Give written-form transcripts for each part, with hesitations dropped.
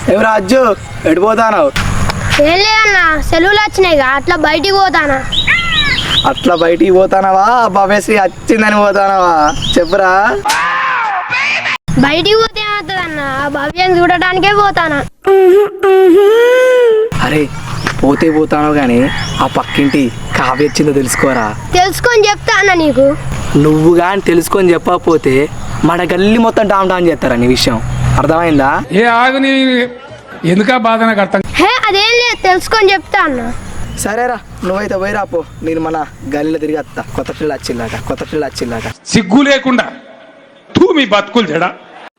ఎవరు అజ్జు ఎడిపోతాను? ఏం లేదన్నా, సెలవులు వచ్చినాయిగా అట్లా బయటికి పోతానా. అట్లా బయటికి పోతానవా భవ్యశ్రీ వచ్చిందని పోతానవా చెప్పురా. బయటికి పోతే ఏమవుతుందన్నా, ఆ భవ్యం చూడటానికే పోతానా. అరే పోతే పోతాను కానీ ఆ పక్కింటి కావ్య వచ్చిందో తెలుసుకోరా. తెలుసుకొని చెప్తా అన్న నీకు. నువ్వు కానీ తెలుసుకొని చెప్పకపోతే మన గల్లి మొత్తం డామ్ డామ్ చేస్తారా నీ విషయం, అర్థమైందా? ఏ ఆగుని ఎందుకా బాధ నాకు అర్థం. హే అదేం లేదు, తెలుసుకొని చెప్తా అన్న. సరేరా నువ్వైతే పోయిరా పో, నేను మన గల్లీలో తిరిగి వస్తా. కొత్త పిల్ల వచ్చిల్లాట. సిగ్గు లేకుండా తూ మీ బతుకులు చెడా.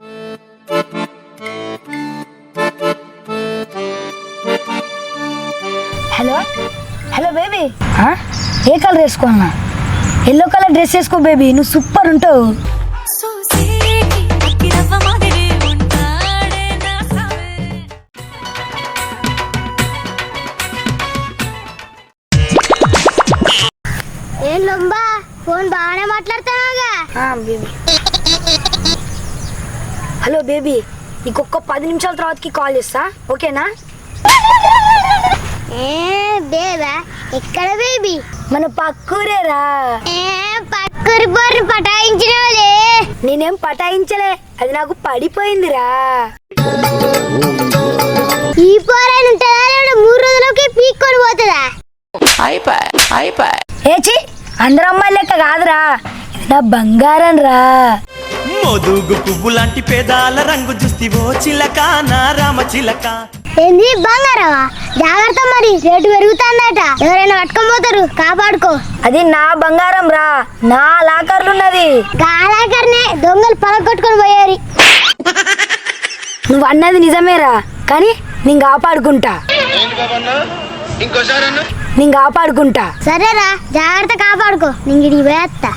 హలో హలో బేబీ, ఏ కలర్ వేసుకోన్నా? ఎల్లో కలర్ డ్రెస్ వేసుకో బేబీ, నువ్వు సూపర్ ఉంటావు. ఏం లొంబా, ఫోన్ బాగానే మాట్లాడుతున్నావుగా. బేబీ హలో బేబీ, నీకు ఒక్క 10 నిమిషాల తర్వాతకి కాల్ చేస్తా, ఓకేనా? బేబా ఎక్కడ బేబీ? మన పక్కూరేరా. పక్కూరి బోర్ని పటాయించినోలే. నేనేం పటాయించలే, అది నాకు పడిపోయిందిరా. ఈ పోరైన ఉంటుందా 3 రోజులకి పీక్కొని పోతుందా? ఏచి అందరు అమ్మాయి లెక్క కాదురా, నా బంగారం రా. మోదుగు పువ్వు లాంటి పేదాల రంగు చూస్తివో చిలక నా రామ చిలక. ఏంది బంగారమా? జాగ్రత్త, మరి రేటు పెరుగుతుందట, ఎవరైనా పట్టుకొని కాపాడుకో. అది నా బంగారం రా, నా లాకర్లున్నది. గాలాకర్నే దొంగలు పలగొట్టుకొని పోయారు. నువ్వు అన్నది నిజమేరా, కానీ నేను కాపాడుకుంటా. సరేరా, జాగ్రత్త కాపాడుకో. నేను ఇడికి పోయేస్తా.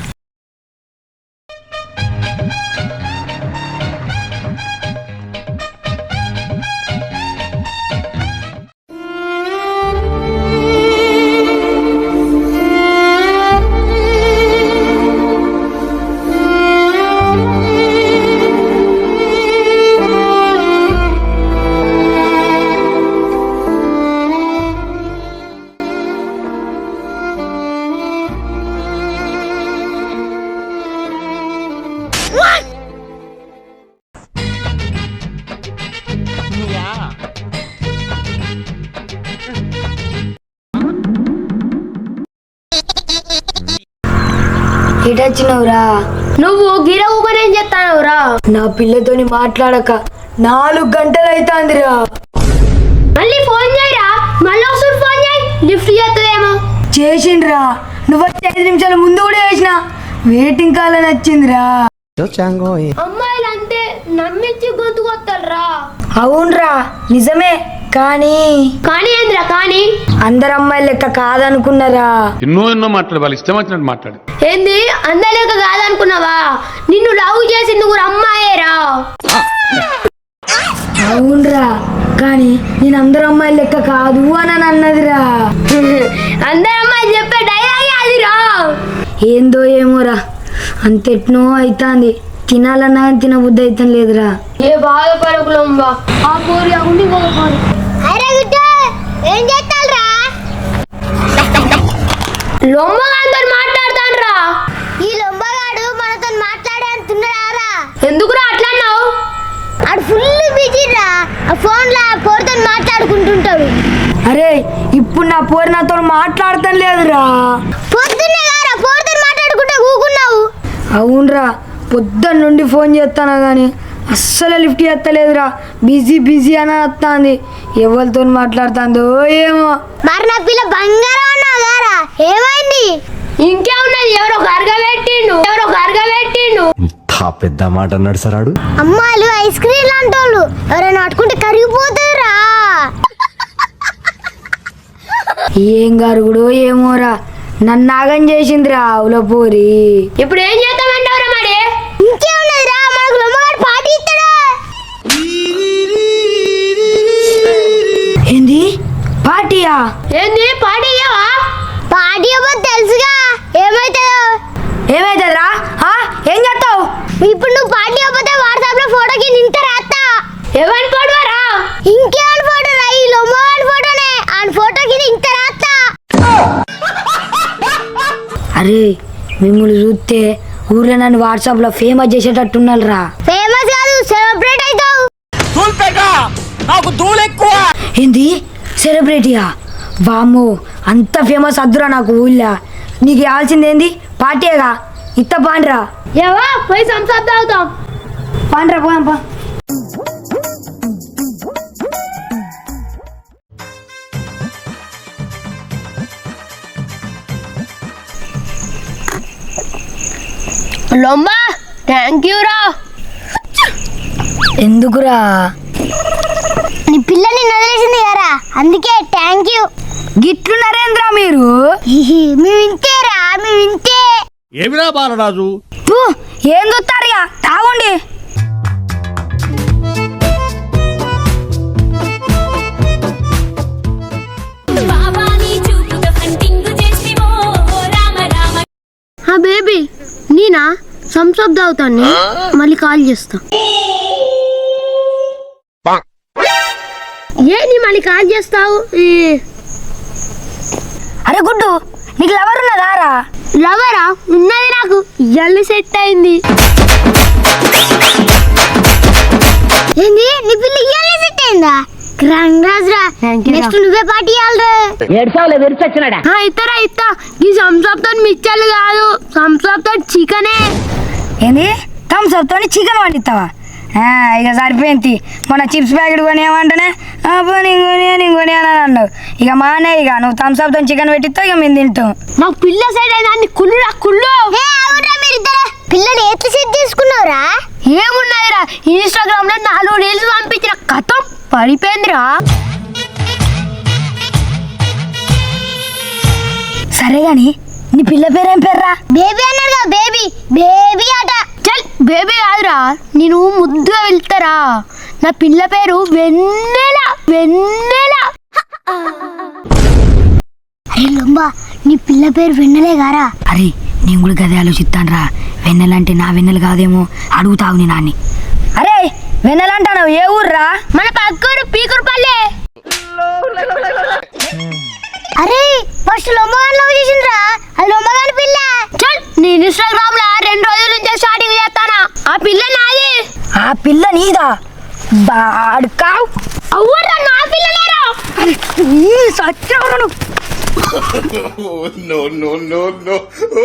ఎటొచ్చినవురా? నువ్వు గిర ఊపనేం చెప్తానవురా? నా పిల్లతోని మాట్లాడక 4 గంటలు అవుతాందిరా. మళ్ళీ ఫోన్ చేయరా, మళ్ళీ ఒకసారి ఫోన్ చేయి, లిఫ్ట్ చేస్తుందేమో. చేసిండ్రా, నువ్వు 5 నిమిషాల ముందు కూడా చేసిన, వెయిటింగ్ కాల్ అని వచ్చిందిరా. అమ్మాయిలు అంతే, నమ్మించి గొంతుకొస్తారా. అవునరా నిజమే, కానీ ఏంద్రా కానీ? అందరు అమ్మాయిలు లెక్క కాదనుకున్నారా. ఎన్నో మాట్లాడు, వాళ్ళు ఇష్టం వచ్చినట్టు మాట్లాడు. ఏంది అందలేక కాదనుకున్నావా? నిన్ను లవ్ చేసింది కూడా అమ్మాయేరా. అవునరా, కానీ నేను అందరు అమ్మాయిలు లెక్క కాదు అని అన్నదిరా. అందరు అమ్మాయిలు చెప్పే డైలాగే అదిరా. ఏందో ఏమోరా, అంతెట్నో అవుతాంది, తినాలన్నా తినబుద్ధి అవుతాం లేదురా. ఏ బాధపడకులంబా, ఆ పూరి ఉండి పోరు. అరే గుడ్డ ఏం చేస్తారా? లొమ్మగాడితో మాట్లాడతాన్రా. ఈ లొమ్మగాడు మనతో మాట్లాడే అంటున్నారా? ఎందుకురా అట్లా అన్నావు? ఆడు ఫుల్ బిజీరా, ఆ ఫోన్ లో పోరుతో మాట్లాడుకుంటుంటాడు. అరే ఇప్పుడు నా పోరు నాతో మాట్లాడతాం లేదురా. పొద్దున్నే గారా పోరుతో మాట్లాడుకుంటే ఊకున్నావు. అవునరా, పొద్దున్న నుండి ఫోన్ చేస్తానా కానీ అస్సలు లిఫ్ట్ చేస్తలేదురా. బిజీ అని వస్తుంది, ఎవరితో మాట్లాడుతుందో ఏమో. మరి నా పిల్ల బంగారం అన్నావు గారా, ఏమైంది? ఇంకేమున్నది, ఎవరో కరగబెట్టిండు. పెద్ద మాట అన్నాడు సరాడు. అమ్మాయిలు ఐస్ క్రీమ్ లాంటి వాళ్ళు, ఎవరైనా పట్టుకుంటే కరిగిపోతారా. ఏం గరుగుడో ఏమోరా, నన్ను నాగం చేసిందిరా ఆవుల పూరి. ఇప్పుడు ఏం చేద్దామంటావురా? మరి ఇంకేమున్నది రా, మనకు లొమ్మగాడు పార్టీ ఇస్తాడా? ఏంది పార్టీయా? ఏంది పార్టీ ఇయ్యవా? పార్టీ ఇవ్వదు తెలుసుగా, ఏమైతుందిరా? ఏం చేస్తావు ఇప్పుడు? నువ్వు పార్టీ ఇవ్వకపోతే వాట్సాప్ లో ఫోటోకి నింత రాస్తా. ఎవరిని పడవరా? ఇంకేమని ఫోటో రా ఈ లొమ్మగాడి ఫోటోనే ఆ ఫోటోకి ఇంత రాస్తా. అరే మిమ్మల్ని చూస్తే ఊర్లో నన్ను వాట్సాప్లో ఫేమస్ చేసేటట్టున్నారు రా. ఫేమస్ కాదు సెలబ్రేట్ అవుతావు. ఏంది సెలబ్రిటీయా? వామ్మో అంత ఫేమస్ అద్దురా నాకు ఊళ్ళో. నీకు కావాల్సింది ఏంది? పార్టీగా ఇత్త పాండ్రా. ఏవా పోయి సంసాప్ తాగుతాం. పాండ్రా పోదాం పా. లొంబా థ్యాంక్ యూ రా. ఎందుకురా? నీ పిల్లని వదిలేసింది కదా అందుకే థ్యాంక్ యూ. గిట్లు నరేంద్ర మీరు మేము ఇంతేరా మేము ఇంతే. ఏమిరా బాలరాజు, తూ, ఏం చూస్తారు ఇక తాగండి. బేబీ నేనా సంసాప్ తాగుతాను మళ్ళీ కాల్ చేస్తా. ఏంటి మళ్ళీ కాల్ చేస్తావు? అరే గుడ్డు, నీకు లవర్ ఉన్నదా రా? లవరా ఉన్నది నాకు ఇయ్యాలి సెట్ అయింది. ఏంది నీ పిల్ల ఇయ్యాలి సెట్ అయిందా? కంగ్రాట్స్ రా. నెక్స్ట్ నువ్వే పార్టీ ఇవ్వాలిరా. ఇస్తారా ఇస్తా. ఈ సంసాప్ తోటి మిచ్చర్లు కాదు సంసాప్ తోటి చికెనే. ఏంది థమ్స్ అప్ తోని చికెన్ వండిస్తావా? ఇక సరిపోయింది. మన చిప్స్ ప్యాకెట్ కొనియామంటేనే నేను కొని అని అన్నావు. ఇక మానే ఇక నువ్వు థమ్స్ అప్ తోని చికెన్ పెట్టిస్తావు, ఇక మేము తింటాం. నాకు పిల్ల సైడ్ అయింది కుళ్ళురా కుళ్ళు. పిల్లని ఎట్లా సెట్ చేసుకున్నావురా? ఏమున్నాయిరా ఇన్స్టాగ్రామ్ లో 4 రీల్స్ పంపించిన కథం పడిపోయిందిరా. సరే గాని నీ పిల్ల పేరేం పేర్రా? బేబీ అన్నాడుగా బేబీ బేబీ అట. చల్ బేబీ కాదురా నేను ముద్దుగా వెళ్తారా. నా పిల్ల పేరు వెన్నెల వెన్నెల. అరే లొంబా నీ పిల్ల పేరు వెన్నెలే గారా? అరే నేను కూడా గదే ఆలోచిస్తాను రా. వెన్నెలంటే నా వెన్నెల కాదేమో అడుగుతావు నీ నాన్ని. అరే వెన్నెలంటావు ఏ ఊర్రా? మన పక్కూరు పీకురుపల్లె. అరే ఫస్ట్ లొమ్మగాని లవ్ చేసిండ్రా. అది లొమ్మగాని పిల్ల. చల్ నేను ఇన్స్టాగ్రామ్ లో 2 రోజుల నుంచి స్టార్టింగ్ చేస్తానా. ఆ పిల్ల నాది. ఆ పిల్ల నీదా? బాడుకావు. అవ్వరా నా పిల్లలేరా. సత్యవరను. no, no, no, no.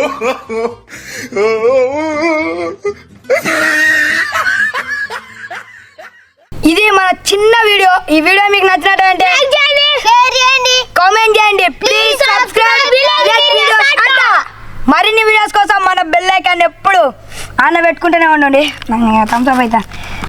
ఇది మన చిన్న వీడియో. ఈ వీడియో మీకు నచ్చినట్టంటే షేర్ చేయండి, కామెంట్ చేయండి, ప్లీజ్ సబ్స్క్రైబ్. మరిన్ని వీడియోస్ కోసం మన బెల్ ఐకాన్ ఎప్పుడు ఆన్ పెట్టుకుంటూనే ఉండండి. థమ్స్ అప్ అయితే